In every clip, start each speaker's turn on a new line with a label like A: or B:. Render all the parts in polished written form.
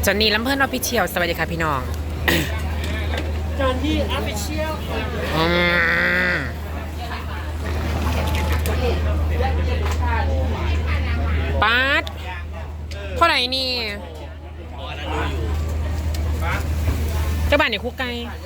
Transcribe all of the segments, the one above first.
A: จอนนี่ลำเพิ่นออฟฟิเชียลสวัสดีค่ะพี่น้อง
B: จอนนี่ออฟฟิเชียล
A: ป๊าดเท่าไหร่นี่เจ้าบ้านเนี่ยคุกไก่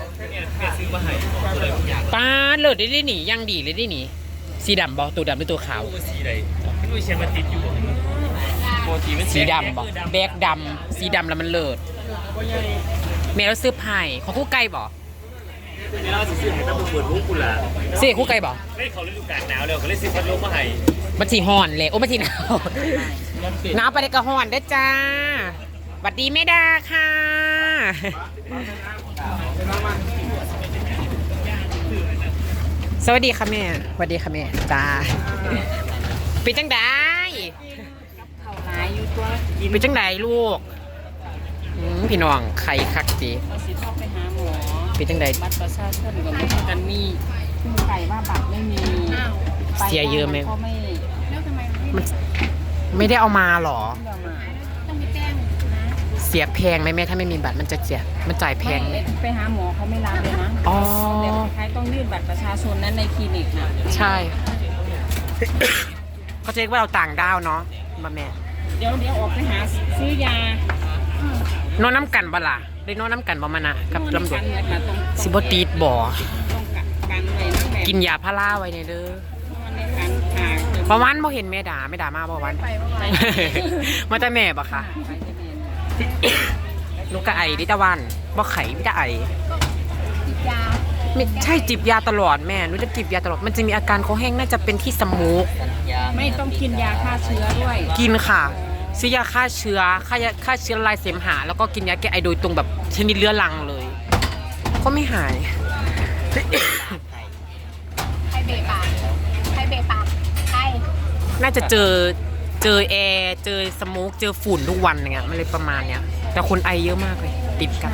A: ป๊าดเลิศได้หนียังดีเลยได้หนีสีดำบอตัวดำหรือตัวขาว
B: สีใดพี่ลุยเชียงมาติดอยู่
A: สีดำบอแบกดำสีดำแล้วมันเลิศแม่เราซื้อไผ่ของคุกไก่บอ
B: นี่เราซื้อให้ตั้งเปิดลูกกูล่ะ
A: เสียคุกไก่บอ
B: ไม่เขาฤดูกาลหนาวแล้วก็เลยซื้อพัดลมมาให้
A: มันสีห่อนเลยโอ้มันสีหนาวหนาวไปเลยกระห่อนได้จ้าสวัสดีแม่ดาค่ะสวัสดีค่ะแม่สวัสดีค่ะแม่จ้าเป็นจังไดเป็นจังไดลูกพี่น้องไข่คักดีเป็นจังได
C: บัตรประชาชนกับไม่กันมีซึ่งไก่ว่าบัตรไม่มี
A: เสียเยอะไหม
C: มัน
A: ไม่ได้เอามาหรอ
C: ต้องไปแจ้งนะ
A: เสียแพงไหมแม่ถ้าไม่มีบัตรมันจะเสียมันจ่ายแพง
C: ไปหาหมอเขาไม่รับเลยนะ
A: อ๋อ
C: แต่ใครต้องยื่นบัตรประชาชนนั้นในคลินิกนะ
A: ใช่เขาจะเรียกว่าเราต่างดาวเนาะมาแม่
C: เดี๋ยวออกไปหาซื้อย
A: านอนน้ำกันบ่ล่ะได้นอนน้ำกันบ่มานะกับลำดวนซิบตีดบ่กินยาพาราไว้ในเด้อประวันบ่เห็นแม่ด่ามาบ่วันมาแต่แม่บ่ค่ะลูกกะไอดิตะวันบ่ไข่ดิตะไอไม่ใช่จิบยาตลอดแม่หนูจะจิบยาตลอดมันจะมีอาการคอแห้งน่าจะเป็นที่สมูก
C: ไม่ต้องกินยาฆ่าเชื้อด้วย
A: กินค่ะซื้อยาฆ่าเชื้อลายเสมหะแล้วก็กินยาแก้ไอโดยตรงแบบชนิดเรื้อรังเลยก็ไม่หาย
D: ใครเบะปากใคร
A: น่าจะเจอแอร์เจอสโมกเจอฝุ่นทุกวันอย่างเงี้ยมันเลยประมาณเนี้ยแต่คนไอเยอะมากเลยติดกัน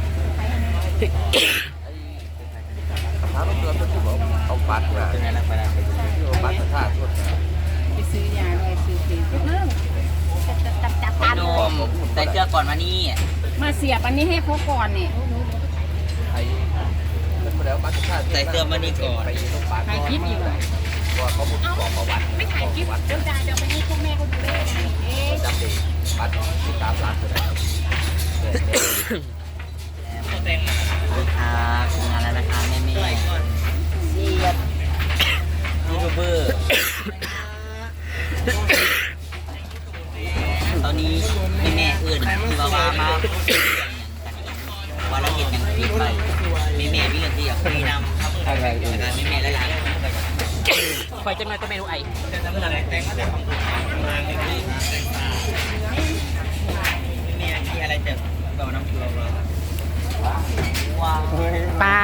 B: เอาบัตรมาบัตรท่าชด
C: ไปซื้อยาด้วยซื้อฟรี
E: ใส่เสื้อก่อนมานี่
C: มาเสียบอันนี้ให้เขาก่อนเนี่ย
E: ใส่เสื้อมานี่ก่อน
C: ถ่ายคลิปอยู่เลย
D: ไม่ถ่ายคลิปเดี๋ยวไปให้พวกแม่เขาดูได้ไง
B: จำดีบัตรที่ตามร้านเลย
E: งานแล้วนะคะแม่เสียบยูทูบเบอร์ตอนนี้แม่อื่นคือว่ามาว่าเราเห็นอย่างผิดไปแม่มีเงินที่อยากคุยนำอะไรอื่นแม่และหลาน
A: คอยจะมาตัวเมนูไอ
E: แม่ที่อะไรจะต่อน้ำเกลือว้าว
A: ปลา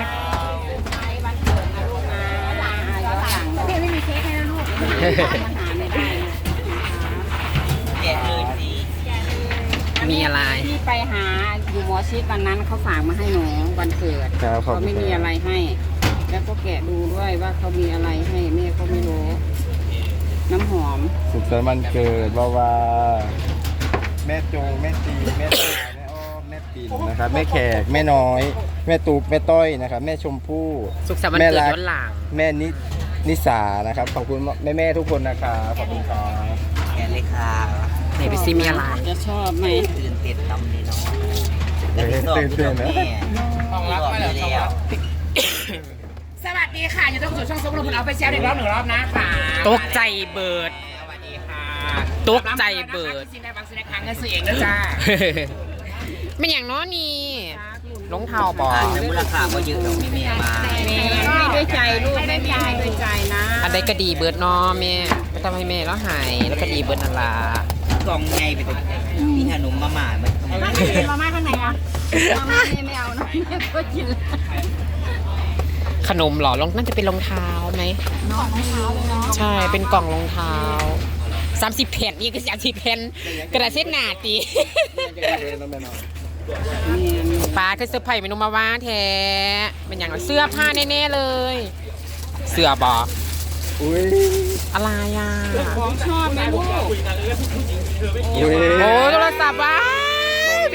D: พี่ไม่มีเค้กให้นะลูก
C: มาหาไม่ได้
E: แกะเลยสิ
A: มีอะไร
C: ที่ไปหาอยู่หมอชิดวันนั้นเขาฝากมาให้หนูวันเกิดเขาไม่มีอะไรให้แล้วก็แกะดูด้วยว่าเขามีอะไรให้แม่ก็ไม่รู้น้ำหอม
B: สุขสันต์วันเกิดว่าแม่จงแม่ตีแม่ตาแม่อ้อมแม่ปิ่นนะครับแม่แขกแม่น้อยแม่ตูบแม่ต้อยนะครับแม่ชมพู่
A: สุขสันต์วันเกิดย้อนหลัง
B: แม่นิสานะครับขอบคุณแม่ทุกคนนะครับขอบคุณครับ
E: แกะเลยค่ะ
A: ไหนไปซิมีอะไร
C: จะชอบไหม
E: ตื่นเต้นตำเลยเนาะตื่นเต้นนะห้องรับไปแล้ว
D: สวัสดีค่ะอยู่ต้องสู่ช่องซุปลุงพลเอาไปแชร์อีกรอบ1 รอบนะค่ะ
A: ตกใจเบิด
D: สวัสดีค่ะ
A: ตกใจเบิด
D: ซีนบางซีนครั้งเงินซื้อเองนะจ้า
A: เป็นอย่างน้อนี่รองเท้าบอก
E: มูลค่าก็เยอะเราไม่แม่มา
C: ให้ด้วยใจลูกไม่มีให้ด้วยใจนะ
A: อันใดก็ดีเบิดน้อแม่ไม่ต้องให้แม่แล้วหายแล้วก็ดีเบิดนั่นล่ะ
E: กล่องไงไปตัวมีขนมมาหม่ามัน
C: มาม่าข้างไหนอ่ะมาม่าไม่เอานะแม่ก็กิน
A: ขนมหรอน่าจะเป็นรองเท้าไหม
C: น้องรองเท้าเลยเนาะ
A: ใช่เป็นกล่องรองเท้า30 แผ่นนี่ก็30 แผ่นกระดาษเช็ดหนาตีปลาคือเสื้อผ้าเมนูมาว่าแท้เป็นอย่างเสื้อผ้าแน่ๆเลยเสื้อบออะไรอ่ะ
C: ของชอบไหมลูก
A: โอ้โทรศัพท์วะ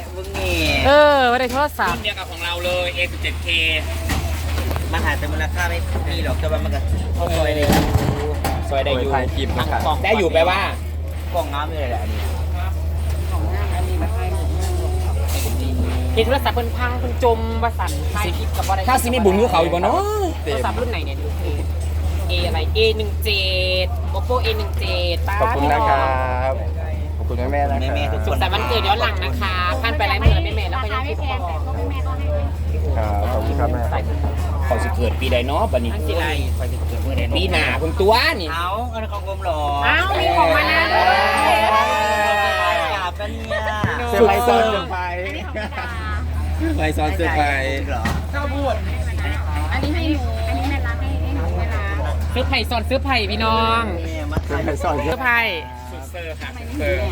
E: มึงนี่
A: ไม่ได้โทรศัพ
D: รุ่
A: ท์
D: นเดียวกับของเราเลย A17K
E: มันหาแต่มูลค่าไม่มีหรอกแต่ว่ามันก็เข้าซอยเลย
D: ซอยได้อยู่
B: ถ่ายคลิปนะครับ
D: ได้อยู่แปลว่า
E: กล้องน้ำเลยแหละอันนี้
C: ของหน้าอันนี้มาให้หมด
A: เห็นโทรศัพท์เพิ่นพังเพิ่นจมประสันไทยคลิปกับอะไร
D: ถ้าซิมีบุญกับเขาอยู่บ่เนาะ
A: โทรศัพท์รุ่นไหนเนี่ยดูเออะไร A17 Oppo A17 ป้า
B: ขอบคุณนะครับ ขอบคุณแม่ๆนะครับ
E: แม่ๆทุก
A: สุ
E: ค
A: ข
E: น
A: สันต์วันเกิดย้อนหลังนะคะท่านไปไลฟ์เหมือนแม่ๆแล้วก็ยังคิดพอ
B: ครับขอบคุณครับแม่
D: เขาสิเกิดปีใดเนาะบัดนี้
A: อันสิไร
E: คอยจะเกิดเมื่อใด
D: ปีหน้าคุณตัวนี่
E: เอาอันของผมหรอ
A: อ้าวมีของมานะด้วย
E: จับกันเนี่ย
B: เซอร์ไพรส์ซ้อนเซอร์ไพรส์เซอร์ไพรส์ซ้อนเซอร์ไพรส์
E: เหรอ
C: อันนี้ให้หนูอันนี้แม่รักให้หนูเวลา
A: ซื้อไผ่สอนซื้อไผ่พี่น้อง
E: เนี่ยมา
B: เซอร์ไพรส์ซ้อนเย
A: ซื้
B: อะ
A: อไผ่
D: สุดเซอร์ค่ะ
C: ไม่
D: เซ
C: มี
D: อร์
C: เนี่ย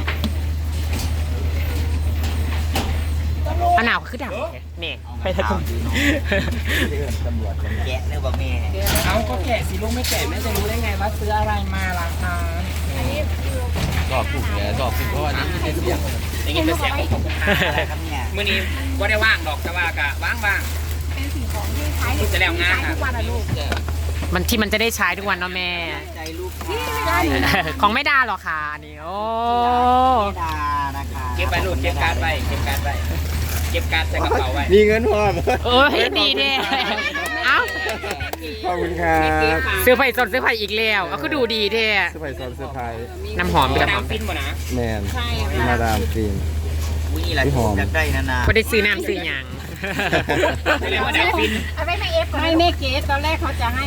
A: อันหนาวคือดับแม่ไปทาง
B: ตำรวจ
E: แกะเนื้อบอกแม่
D: เอาก็แกะสิลูกไม่แกะแม่จะรู้ได้ไงว่าซื้ออะไรมาล่ะคะ
B: สอบถูกเนี่ยสอบถูกเพราะว่านี้ไม่ได้เสียง
D: ได้ยินเป็นเสียงของผม
E: อะไรครับเนี่ย
D: มื้อนี้บ่ได้ว่างดอกแต่ว่ากะว่าง
C: เป็นสิ่งของที่ใช้
D: ๆจะแล้วงานค่ะ
C: ทุกวันอะลูก
A: มันที่มันจะได้ใช้ทุกวันเนาะแม่
E: ใจลูกค้า
A: ของไม่ได้หรอกค่ะอันนี่โอ้
E: ดานะคะ
D: เก็บไปลูกเก็บการ์ดไว้เก็บการ์ดไว้เก็บการ์ดใส่กระเป๋าไว้
B: มีเงินพอ
A: โอ้ยดีเด้เอ้า
B: ขอบคุณครับ
A: ซื้อไผ่สดซื้อไผ่อีกแล้วก็คือดูดีเด้
B: เซอร์ไพรส์ซ้อนเซอร์ไพรส์
A: น้ำหอม
D: ก
A: เป็น
D: ระ
A: น้ำห
D: ดา
A: อ
D: ษ
A: ม
D: ฟินบ่นะ
B: แมน
C: ใช่
B: มา
C: ค่ะ
B: ดามฟิล์ม
E: อุ้ยนี่แหละอยากได้นาน
A: ก็ได้ซื้อน้ำซื้อหยัง
D: เรียกว่าดาวฟิน
C: เอาไว้ให้เอฟก่อนให้แม่เกดตอนแรกเขาจะให้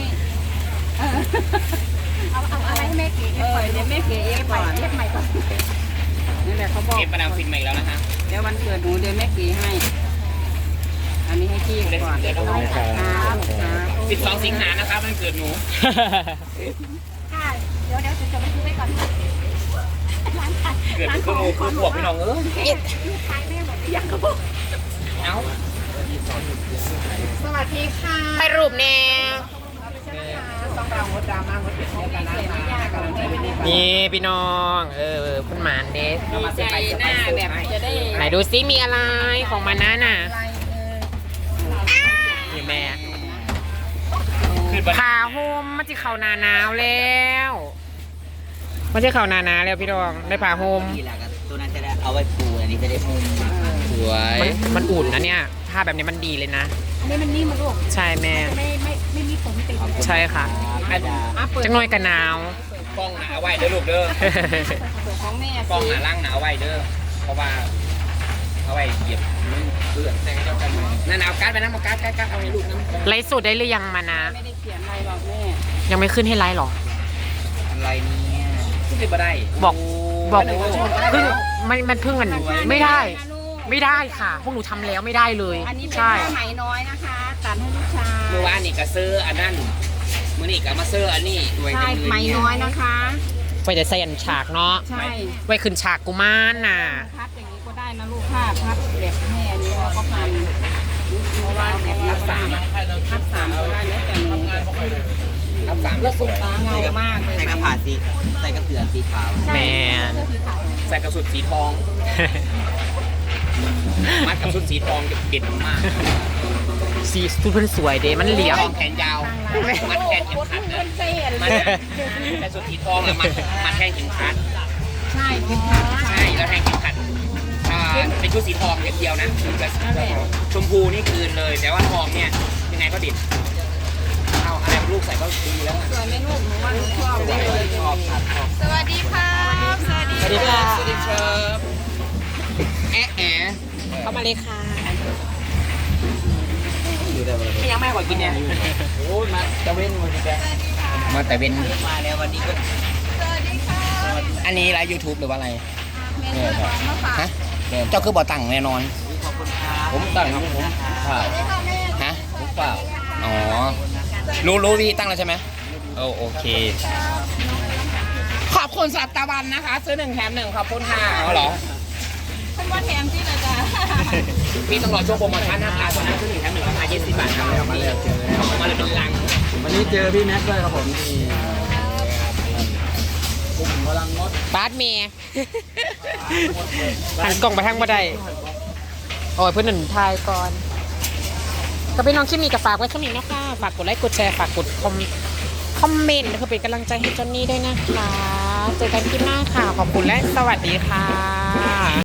C: เอาอะไรให้แม่เกดก่อนเดี๋ยวแม่เกดเอฟก่อนเอฟใหม่ก่อนนี่แหละเขาบอก
D: เก็บประดามฟินใหม่แล้วนะคะ
C: เดี๋ยววันเกิดหนูเดี๋ยวแม่เกดให้ อันนี้ให้พี่ก่อน
D: เดี๋ยว
B: ขอบคุณครับ
D: 12 สิงหานะคะวันเกิดหนู
C: ค่ะเดี๋ยวจะไปซื้อไว้ก่อน
D: เกิดคือหมูคือพวกพี่น้องเอ้ย
C: ขายแม่หมดยังก็บอก
D: เอ้า
C: สวัสดีค่ะ
A: ไปรูปแน่
C: ต้องเรางดดราม่างดเปลี่ยนกันนะ
A: นี่พี่น้องคุณหมานเดส
C: ดีใจหน้าแบบจะได้
A: ไหนดูซิมีอะไรของมันนะน่ะ
C: อะไร
A: นี่แม่
D: คือบัด
A: พาโฮมมันจะเข้าหนาหนาวแล้วมันจะเข้าหนาหนาวแล้วพี่น้องได้พาโฮม
E: นี่แหละครับตัวนั้นจะได้เอาไว้ปูอันนี้จะได้มุม
A: สวยมันอุ่นนะเนี่ยผ้าแบบนี้มันดีเลยนะ
C: อันนี้มันนิ่มมาลูก
A: ใช่แม่
C: ไม่มีผมติด
A: ใช่ค่ะ จังน้อยกันหนาว
D: กล้องหนาเอาไว้เด้อลูกเด้อ
C: ของแม่
D: กล้องหนาล่างหนาเอาไว้เด้อเพราะว่าเอาไว้เหยียบเลือดแต่ก็เจ้ากันนั่นเอาการ์ดไปนะเอาการ์ดเอาให้ลูกนะ
A: ไลฟ์สดได้หรือยังมานะ
C: ไม่ได้เขียนอะไรหรอกแม่
A: ยังไม่ขึ้นให้ไลฟ์หรอ
E: อะไรเนี่ย
D: ขึ้นไปบ่ได้
A: บอกเพิ่งมันเพิ่งมันไม่ได้ ไม่ได้ค่ะ พวกหนูทำแล้วไม่ได้เลย
C: อันนี้เป็น
A: ใช่
C: ผ้าไหมน้อยนะคะตัดให้ลูกชาย
D: เมื่อวานนี่ก็ซื้ออันนั้นมื้อนี้ก็มาซื้ออันนี้ด้วย
C: ใช่
D: กันเลย
C: ไหม
D: เนี่ย
C: น้อยนะคะ
A: ไว้จะใส่อันฉากเนาะ
C: ใช่
A: ไว้ขึ้นฉากกุมารน่ะ
C: พับอย่างนี้ก็ได้นะลูกผ้าพับแบบแม่อันนี้เราก็พันเพราะว่าแบบพับสามก็ได้แล้วแต่หนู
D: รับสามแล้วสุด
C: เงามากเลย
E: ใส่กระผาสีใส่กระเสือสีขาว
A: แมน
D: ใส่กระสุนสีทอง มัดกับชุดสีทองเด็ดมาก
A: สีสุดเพิ่นสวยเด้มันเหลี่ยม
D: ทองแขนยาว มัดแขนเข็มขัดนะมัดแต่สุดสีทองอะมัดแขนเข็มขัด
C: ใช่เป็น
D: ใช่แล้วแทงเข็มขัดเป็นชุดสีทองเดียวนะชมพูนี่คืนเลย แต่ว่าทองเนี่ยยังไงก็ดิดเอาอะไรลูกใส่ก็ดีแล้ว
C: สวยไหมลูกหนูว่าหนูชอบได้เลย
D: ชอบครับชอบ
C: สวัสดีค่ะสวัสดี
D: สวัสดีครับสวัสดีครับแอะแอะ
A: เข้ามาเลยค่ะ
D: ไม่ยังไม่ขอกินเนี่ยโอ้ยมาตะเว้นมาแกมาแต่เว้น
E: มาแล้ววันนี้ก็
D: อันนี้ไลฟ์ YouTube หรือว่าอะไร
C: แม่ซื้อของมาฝาก
D: ฮะเจ้าคือบ่อตั้งแน่นอน
E: ขอบคุณครับ
D: ผมตั้งผมเปล่าฮะผมเปล่าอ๋อรู้พี่ตั้งแล้วใช่ไหมโอเค ขอบคุณสัตวันนะคะ ซื้อ1 แถม 1ขอบคุณค่ะเอาเหรอ
C: คุณว่าแถมที่เลยจ้ะ
D: พี่ต้องรอช่วงโปรโมชั่นนะคะตอนนั้นซื้อ1 แถม 1ราคา20 บาทครับมาเลยมาเลยเป็นลัง
B: วันนี้เจอพี่แม็กซ์ด้วยครับผมที่
A: บาสเมย์หันกล่องไปทางบ่ได้โอ้ยเพื่อนหนึ่งทายก่อนก็พี่น้องคลิปนี้ก็ฝากไว้เท่านี้นะคะฝากกดไลค์กดแชร์ฝากกดคอมเมนต์เพื่อเป็นกำลังใจให้จอนนี่ด้วยนะคะเจอกันคลิปหน้าค่ะขอบคุณและสวัสดีค่ะ